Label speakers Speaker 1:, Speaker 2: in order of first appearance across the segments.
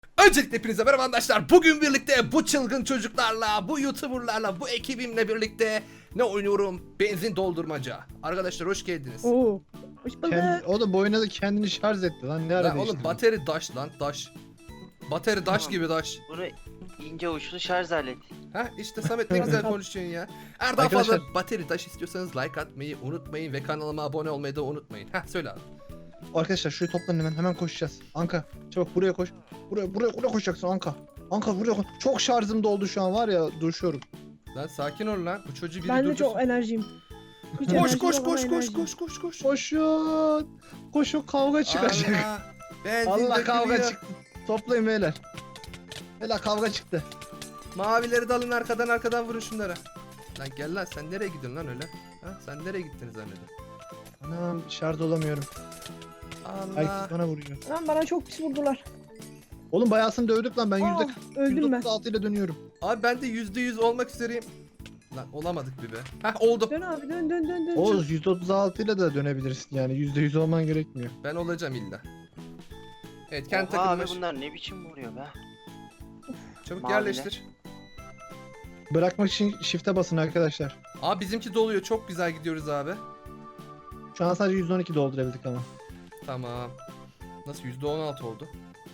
Speaker 1: Öncelikle hepinize merhaba arkadaşlar. Bugün birlikte bu çılgın çocuklarla, bu YouTuber'larla, bu ekibimle birlikte ne oynuyorum? Benzin doldurmaca. Arkadaşlar hoş geldiniz.
Speaker 2: Oo. Hoş bulduk.
Speaker 3: O da bu oyunda da kendini şarj etti lan. Ne ara
Speaker 1: Lan oğlum
Speaker 3: değiştirdin?
Speaker 1: bateri daş lan daş. Bateri daş
Speaker 4: Tamam.
Speaker 1: gibi daş.
Speaker 4: Bunu ince uçlu şarj aleti.
Speaker 1: Ha işte Samet ne güzel konuşuyorsun ya. Eğer daha
Speaker 3: Arkadaşlar-
Speaker 1: fazla bateri daş istiyorsanız like atmayı unutmayın ve kanalıma abone olmayı da unutmayın. Ha söyle abi.
Speaker 3: Arkadaşlar şurayı toplanın hemen koşacağız. Anka çabuk buraya koş. Buraya koşacaksın Anka. Anka buraya koş. Çok şarjım doldu şu an var ya duruşuyorum.
Speaker 1: Lan sakin ol lan. Bu çocuğu biri
Speaker 2: Ben de
Speaker 1: durdursun.
Speaker 2: çok enerjiyim. Hiç
Speaker 1: Koş
Speaker 2: enerjim
Speaker 1: koş
Speaker 2: yok ama
Speaker 1: koş koş
Speaker 2: enerjiyim.
Speaker 1: koş koş koş.
Speaker 3: Koşun. Koşun kavga çıkacak.
Speaker 1: Allah. Benzin
Speaker 3: Allah kavga
Speaker 1: dökülüyor.
Speaker 3: çıktı. Toplayın beyler. Beyler kavga çıktı.
Speaker 1: Mavileri de alın arkadan vurun şunlara. Lan gel lan sen nereye gidiyorsun lan öyle? Ha sen nereye gittiniz zannedin?
Speaker 3: Anam şarj olamıyorum.
Speaker 1: Allah.
Speaker 3: Herkes bana vuruyor.
Speaker 2: Lan bana çok pis vurdular.
Speaker 3: Oğlum bayağısını dövdük lan ben
Speaker 2: Aa, öldüm ben.
Speaker 3: %36 ile dönüyorum.
Speaker 1: Abi ben de %100 olmak üzereyim. Lan olamadık bir be. Heh oldu.
Speaker 2: Dön abi dön.
Speaker 3: Oğuz %36 ile de dönebilirsin yani %100 olman gerekmiyor.
Speaker 1: Ben olacağım illa. Evet kendi
Speaker 4: Oha abi
Speaker 1: takımına
Speaker 4: bunlar ne biçim vuruyor be.
Speaker 1: çabuk
Speaker 4: Maviler.
Speaker 1: yerleştir.
Speaker 3: Bırakmak için shift'e basın arkadaşlar.
Speaker 1: Abi bizimki doluyor çok güzel gidiyoruz abi.
Speaker 3: Şu an sadece 112 doldurabildik ama.
Speaker 1: Tamam. Nasıl %16 oldu?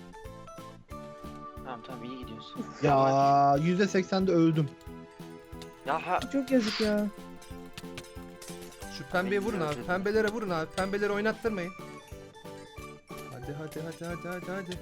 Speaker 4: Tamam iyi gidiyorsun.
Speaker 3: Ya %80'de öldüm.
Speaker 4: Ya ha.
Speaker 2: Çok yazık ya.
Speaker 1: Şu pembeye vurun abi.
Speaker 4: Bekliyorum.
Speaker 1: Pembelere vurun abi. Pembeleri oynattırmayın. Hadi.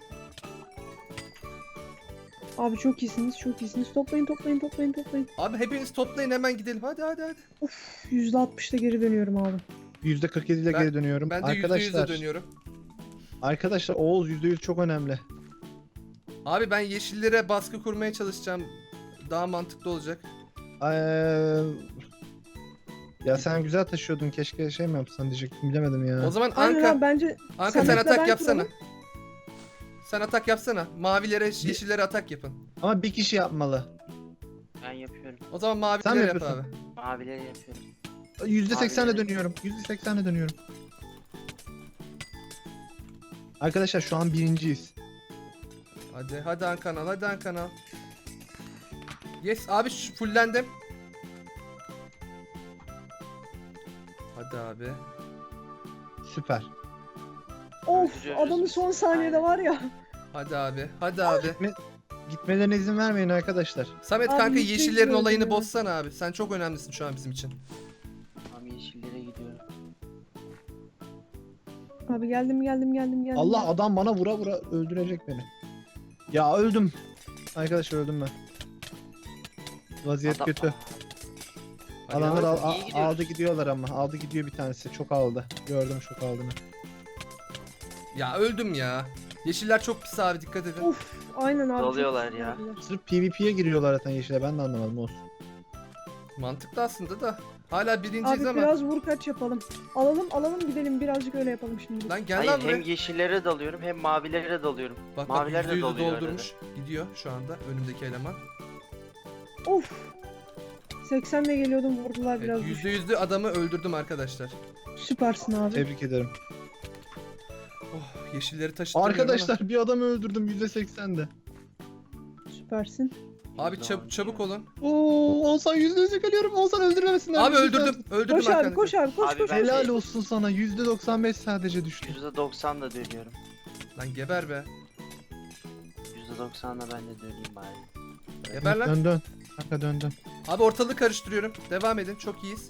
Speaker 2: Abi çok iyisiniz. Toplayın.
Speaker 1: Abi hepiniz toplayın hemen gidelim. Hadi.
Speaker 2: %60'da geri dönüyorum abi.
Speaker 3: %47 ile
Speaker 1: Ben-
Speaker 3: geri dönüyorum.
Speaker 1: Ben de %100'e
Speaker 3: arkadaşlar,
Speaker 1: dönüyorum.
Speaker 3: arkadaşlar Oğuz %100 çok önemli.
Speaker 1: Abi ben yeşillere baskı kurmaya çalışacağım. Daha mantıklı olacak.
Speaker 3: Ya sen güzel taşıyordun keşke şey mi yapsan diyecektim bilemedim ya.
Speaker 1: O zaman
Speaker 2: Aynen
Speaker 1: Anka,
Speaker 2: abi bence
Speaker 1: sen
Speaker 2: Samet'le
Speaker 1: atak
Speaker 2: ben
Speaker 1: yapsana.
Speaker 2: kuralım.
Speaker 1: Sen atak yapsana. Mavilere, yeşillere atak yapın.
Speaker 3: Ama bir kişi yapmalı.
Speaker 4: Ben yapıyorum.
Speaker 1: O zaman
Speaker 3: Sen mi
Speaker 1: mavilere yap
Speaker 3: yapıyorsun?
Speaker 1: abi.
Speaker 4: Mavileri yapıyorum.
Speaker 3: %80'le
Speaker 4: Abi.
Speaker 3: dönüyorum. %80'le dönüyorum. Arkadaşlar şu an birinciyiz.
Speaker 1: Hadi Ankanal. Yes abi fullendim. Hadi abi.
Speaker 3: Süper.
Speaker 2: Of
Speaker 4: Öldürüyoruz
Speaker 2: adamı
Speaker 4: biz.
Speaker 2: son saniyede
Speaker 4: Aynen.
Speaker 2: var ya.
Speaker 1: Hadi abi.
Speaker 3: Gitmelerine izin vermeyin arkadaşlar.
Speaker 1: Samet
Speaker 2: Abi
Speaker 1: kanka
Speaker 2: yüzde yüz
Speaker 1: yeşillerin
Speaker 2: öldüm
Speaker 1: olayını
Speaker 2: ya.
Speaker 1: bozsana abi. Sen çok önemlisin şu an bizim için.
Speaker 4: Tamam yeşillere gidiyorum.
Speaker 2: Abi geldim.
Speaker 3: Allah adam bana vura öldürecek beni. Ya öldüm. Arkadaşlar öldüm ben. Vaziyet
Speaker 4: Adam-
Speaker 3: kötü.
Speaker 1: Hadi
Speaker 3: Adamlar
Speaker 1: abi.
Speaker 4: iyi gidiyoruz.
Speaker 3: aldı gidiyorlar ama. Aldı gidiyor bir tanesi. Çok aldı. Gördüm çok aldığını.
Speaker 1: Ya öldüm ya. Yeşiller çok pis abi dikkat edin.
Speaker 2: Of aynen abi. çok
Speaker 4: Dalıyorlar
Speaker 2: pis
Speaker 4: ya.
Speaker 2: vurdular.
Speaker 3: Sırf PvP'ye giriyorlar zaten yeşile. Ben de anlamadım olsun.
Speaker 1: Mantıklı aslında da. Hala birinciyiz
Speaker 2: Abi
Speaker 1: ama.
Speaker 2: biraz vur kaç yapalım. Alalım gidelim birazcık öyle yapalım şimdi.
Speaker 1: Lan gel
Speaker 4: Hayır
Speaker 1: lan buraya.
Speaker 4: hem yeşillere dalıyorum hem mavilere dalıyorum.
Speaker 1: Bak
Speaker 4: maviler de
Speaker 1: %100'ü
Speaker 4: doluyor
Speaker 1: doldurmuş. Gidiyor şu anda önümdeki eleman.
Speaker 2: Of. 80'le geliyordum vurdular biraz.
Speaker 1: Evet, %100'lü adamı öldürdüm arkadaşlar.
Speaker 2: Süpersin abi.
Speaker 3: Tebrik ederim.
Speaker 1: Oh yeşilleri taşıtmıyorum
Speaker 3: Arkadaşlar bir adamı öldürdüm %80'de.
Speaker 2: Süpersin.
Speaker 1: ama. Abi çabuk olun.
Speaker 3: Oo, Oğuzhan %100'e geliyorum. Oğuzhan öldürmemesinler.
Speaker 1: Abi öldürdüm
Speaker 2: Koş abi
Speaker 1: arkadaşlar.
Speaker 2: koş abi koş
Speaker 4: Abi
Speaker 2: koş.
Speaker 4: ben-
Speaker 3: Helal olsun sana. %95 sadece düştü.
Speaker 4: %90 da dönüyorum.
Speaker 1: Lan geber be.
Speaker 4: %90 da ben de döneyim bari.
Speaker 1: Geber lan.
Speaker 3: Dön. Kanka dön.
Speaker 1: Abi ortalığı karıştırıyorum. Devam edin. Çok iyiyiz.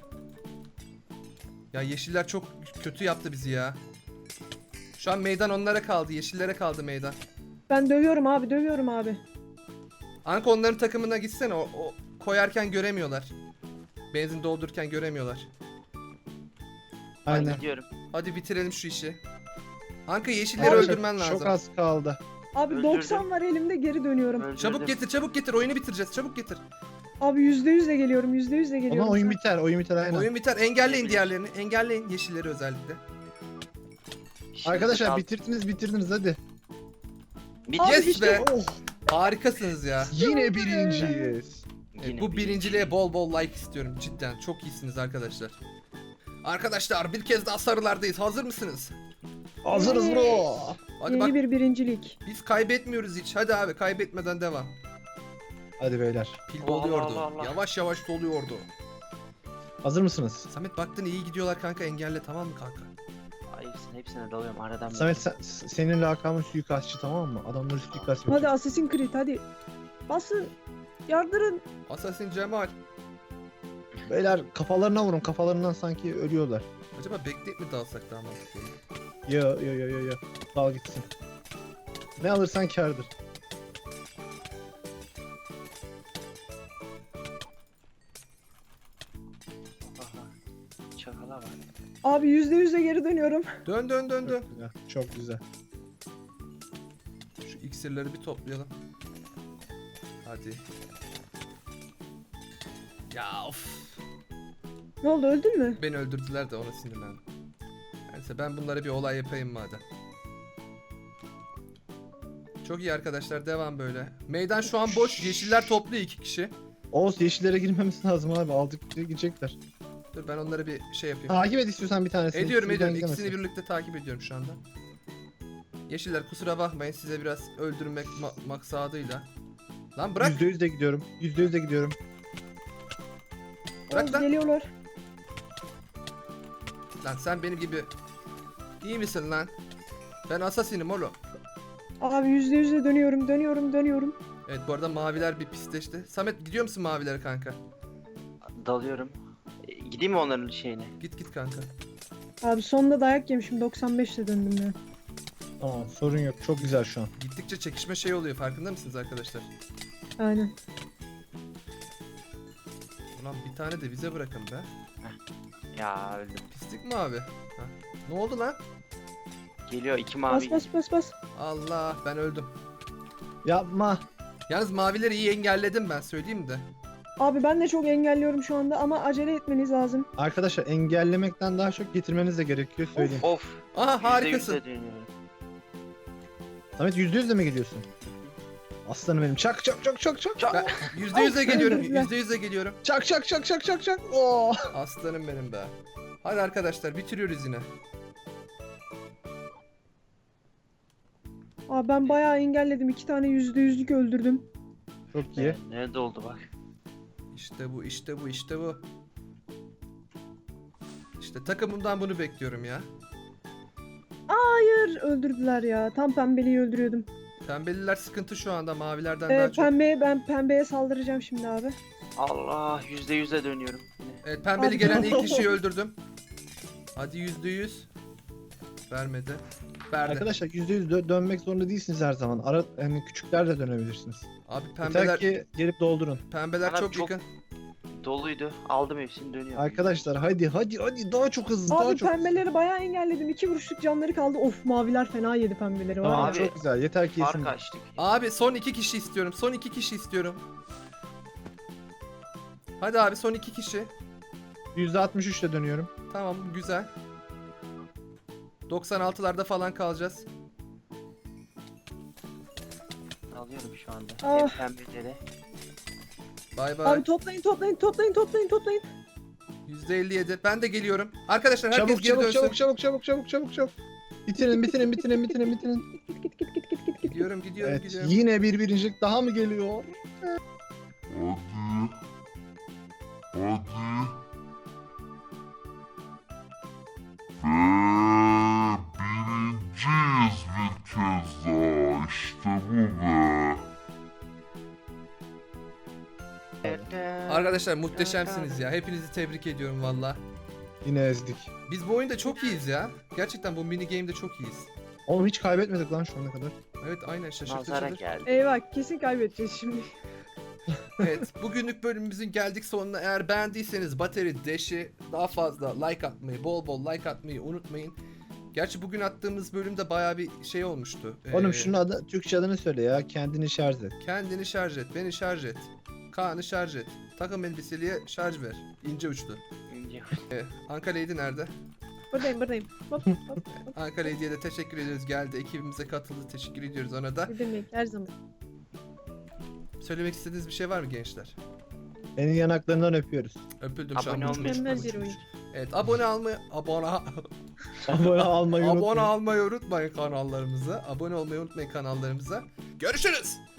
Speaker 1: Ya yeşiller çok kötü yaptı bizi ya. Şu an meydan onlara kaldı. Yeşillere kaldı meydan.
Speaker 2: Ben dövüyorum abi.
Speaker 1: Anka onların takımına gitsene. O koyarken göremiyorlar. Benzin doldururken göremiyorlar.
Speaker 4: Ben
Speaker 3: Aynen.
Speaker 4: gidiyorum.
Speaker 1: Hadi bitirelim şu işi. Anka yeşilleri
Speaker 3: Arkadaşlar,
Speaker 1: öldürmen lazım.
Speaker 3: Çok az kaldı.
Speaker 2: Abi
Speaker 4: Öldürdüm.
Speaker 2: 90 var elimde geri dönüyorum.
Speaker 4: Öldürdüm.
Speaker 1: Çabuk getir. Oyunu bitireceğiz. Çabuk getir.
Speaker 2: Abi %100'le geliyorum.
Speaker 3: Ama oyun biter aynen.
Speaker 1: Oyun biter. Engelleyin diğerlerini. Engelleyin yeşilleri özellikle.
Speaker 4: Yeşillere
Speaker 3: Arkadaşlar
Speaker 4: dal-
Speaker 3: bitirdiniz hadi.
Speaker 4: Bitti.
Speaker 2: Abi
Speaker 1: Yes
Speaker 2: işte
Speaker 1: be.
Speaker 3: Oh,
Speaker 1: Harikasınız ya.
Speaker 3: yine birinciyiz.
Speaker 4: Yine
Speaker 1: Bu
Speaker 4: bir-
Speaker 1: birinciliğe bol like istiyorum cidden. Çok iyisiniz arkadaşlar. Arkadaşlar bir kez daha sarılardayız. Hazır mısınız?
Speaker 3: Hazırız bro.
Speaker 1: Hadi
Speaker 2: Yeni
Speaker 1: bak
Speaker 2: bir birincilik.
Speaker 1: biz kaybetmiyoruz hiç. Hadi abi kaybetmeden devam.
Speaker 3: Hadi beyler.
Speaker 1: Pil
Speaker 4: Allah
Speaker 1: doluyordu.
Speaker 4: Allah Allah.
Speaker 1: Yavaş yavaş doluyordu.
Speaker 3: Hazır mısınız?
Speaker 1: Samet baktın iyi gidiyorlar kanka, engelle tamam mı kanka?
Speaker 4: Ay, hepsine dalıyorum aradan.
Speaker 3: Samet senin lakabın suikastçı, tamam mı? Adamları suikast
Speaker 2: Hadi
Speaker 3: yapıyor.
Speaker 2: Assassin's Creed hadi. Basın. Yardırın.
Speaker 1: Assassin Cemal.
Speaker 3: Beyler kafalarına vurun, kafalarından sanki ölüyorlar.
Speaker 1: Acaba bekleyip mi dalsak daha mantıklı olur?
Speaker 3: Yo. Dal gitsin. Ne alırsan kârdır.
Speaker 4: Aha. Çakala var.
Speaker 2: Abi %100'e geri dönüyorum.
Speaker 1: Dön dön dön dön.
Speaker 3: Çok güzel. Çok güzel.
Speaker 1: Şu iksirleri bir toplayalım. Hadi. Ya of.
Speaker 2: Ne oldu, öldün mü?
Speaker 1: Beni öldürdüler de ona sinirlendim. Neyse ben bunlara bir olay yapayım madem. Çok iyi arkadaşlar, devam böyle. Meydan şu an boş. Yeşiller toplu 2 kişi.
Speaker 3: Oğuz, yeşillere girmemiz lazım abi. Aldıkça gidecekler.
Speaker 1: Dur ben onlara bir şey yapayım.
Speaker 3: Takip et istiyorsan bir tanesini.
Speaker 1: Ediyorum
Speaker 3: Birden
Speaker 1: ediyorum.
Speaker 3: gidemezsin.
Speaker 1: İkisini birlikte takip ediyorum şu anda. Yeşiller kusura bakmayın, size biraz öldürmek maksadıyla. Lan bırak.
Speaker 3: %100 de gidiyorum. %100 de gidiyorum.
Speaker 1: Bırak
Speaker 2: Oğuz,
Speaker 1: lan.
Speaker 2: geliyorlar.
Speaker 1: Lan sen benim gibi iyi misin lan? Ben asasinim oğlum.
Speaker 2: Abi %100'e dönüyorum.
Speaker 1: Evet bu arada maviler bir pisleşti. Samet gidiyor musun mavilere kanka?
Speaker 4: Dalıyorum. Gideyim mi onların şeyine?
Speaker 1: Git git kanka.
Speaker 2: Abi sonunda dayak yemişim, 95'le döndüm ya.
Speaker 3: Tamam, sorun yok. Çok güzel şu an.
Speaker 1: Gittikçe çekişme şey oluyor, farkında mısınız arkadaşlar?
Speaker 2: Aynen.
Speaker 1: Ulan bir tane de bize bırakın be.
Speaker 4: Ya öldüm.
Speaker 1: Pislik mi abi? Ha. Ne oldu lan?
Speaker 4: Geliyor 2 mavi.
Speaker 2: Bas.
Speaker 1: Allah ben öldüm.
Speaker 3: Yapma.
Speaker 1: Yalnız mavileri iyi engelledim ben, söyleyeyim de.
Speaker 2: Abi ben de çok engelliyorum şu anda ama acele etmeniz lazım.
Speaker 3: Arkadaşlar engellemekten daha çok getirmeniz de gerekiyor, söyleyeyim.
Speaker 4: Of.
Speaker 1: Aha harikasın.
Speaker 4: %100'e dönüyorum.
Speaker 3: Samet %100 de mi geliyorsun? Aslanım benim. Çak.
Speaker 1: Ben %100'e geliyorum.
Speaker 2: öldürdüler.
Speaker 1: %100'e geliyorum.
Speaker 3: Çak. Oh.
Speaker 1: Aslanım benim be. Hadi arkadaşlar bitiriyoruz yine.
Speaker 2: Abi ben bayağı engelledim. 2 tane %100'lük öldürdüm.
Speaker 3: Çok iyi.
Speaker 4: Nerede oldu bak.
Speaker 1: İşte bu. İşte takımımdan bunu bekliyorum ya.
Speaker 2: Hayır, öldürdüler ya. Tam pembeliği öldürüyordum.
Speaker 1: Pembeliler sıkıntı şu anda, mavilerden daha çok.
Speaker 2: Ben pembeye saldıracağım şimdi abi.
Speaker 4: Allah, %100'e dönüyorum. Yine.
Speaker 1: Evet pembeli
Speaker 2: Abi.
Speaker 1: gelen ilk kişiyi öldürdüm. Hadi %100. Vermedi. Verdi.
Speaker 3: Arkadaşlar %100 dönmek zorunda değilsiniz her zaman. Yani küçükler de dönebilirsiniz.
Speaker 1: Abi
Speaker 3: Yeter
Speaker 1: pembeler
Speaker 3: ki gelip doldurun.
Speaker 1: pembeler çok
Speaker 4: Çok-
Speaker 1: yakın.
Speaker 4: Doluydu. Aldım hepsini dönüyorum.
Speaker 3: Arkadaşlar hadi daha çok hızlı, daha
Speaker 2: Abi
Speaker 3: çok hızlı.
Speaker 2: pembeleri bayağı engelledim. 2 vuruşluk canları kaldı. Of, maviler fena yedi pembeleri. Var
Speaker 3: Tamam
Speaker 2: ya.
Speaker 4: Abi,
Speaker 3: çok güzel. Yeter ki
Speaker 4: Fark
Speaker 3: yesin.
Speaker 4: açtık.
Speaker 1: Abi son 2 kişi istiyorum. Son 2 kişi istiyorum. Hadi abi son 2 kişi.
Speaker 3: %63 ile dönüyorum.
Speaker 1: Tamam güzel. 96'larda falan kalacağız.
Speaker 4: Alıyorum şu anda.
Speaker 2: Ah.
Speaker 4: Hep pembeleri.
Speaker 1: Bay bay.
Speaker 2: Abi toplayın.
Speaker 1: %57. Ben de geliyorum. Arkadaşlar herkes
Speaker 3: Çabuk
Speaker 1: geri dönsün.
Speaker 3: çabuk. Bitirin.
Speaker 2: Git.
Speaker 1: Gidiyorum.
Speaker 3: Evet, yine bir birincilik daha mı geliyor?
Speaker 5: Hadi. Birinciyiz bir kez daha. İşte bu be.
Speaker 1: Arkadaşlar muhteşemsiniz ya. Hepinizi tebrik ediyorum valla.
Speaker 3: Yine ezdik.
Speaker 1: Biz bu oyunda çok iyiyiz ya. Gerçekten bu mini game'de çok iyiyiz.
Speaker 3: Oğlum hiç kaybetmedik lan şu ana kadar.
Speaker 1: Evet aynen
Speaker 4: Nazara
Speaker 1: şaşırtıcıdır.
Speaker 4: geldi.
Speaker 2: Eyvah, kesin kaybedeceğiz şimdi.
Speaker 1: Evet bugünlük bölümümüzün geldik sonuna. Eğer beğendiyseniz Battery Dash'i daha fazla like atmayı, bol like atmayı unutmayın. Gerçi bugün attığımız bölümde baya bir şey olmuştu.
Speaker 3: Oğlum şunun adı, Türkçe adını söyle ya. Kendini şarj et.
Speaker 1: Kendini şarj et, beni şarj et. Kaan'ı şarj et. Takım elbiseliye şarj ver. İnce uçlu.
Speaker 4: İnce.
Speaker 1: Anka Lady nerede?
Speaker 2: Buradayım. Hop.
Speaker 1: Anka Lady'ye de teşekkür ediyoruz. Geldi ekibimize katıldı. Teşekkür ediyoruz ona da.
Speaker 2: Ne demek, her zaman.
Speaker 1: Söylemek istediğiniz bir şey var mı gençler?
Speaker 3: Senin yanaklarından öpüyoruz.
Speaker 1: Öpüldüm şu an.
Speaker 4: Abone olmayı
Speaker 2: Mükemmel bir oyun.
Speaker 1: Evet abone almayı
Speaker 3: Abone almayı
Speaker 1: abone
Speaker 3: unutmayın.
Speaker 1: almayı unutmayın kanallarımıza. Abone olmayı unutmayın kanallarımıza. Görüşürüz.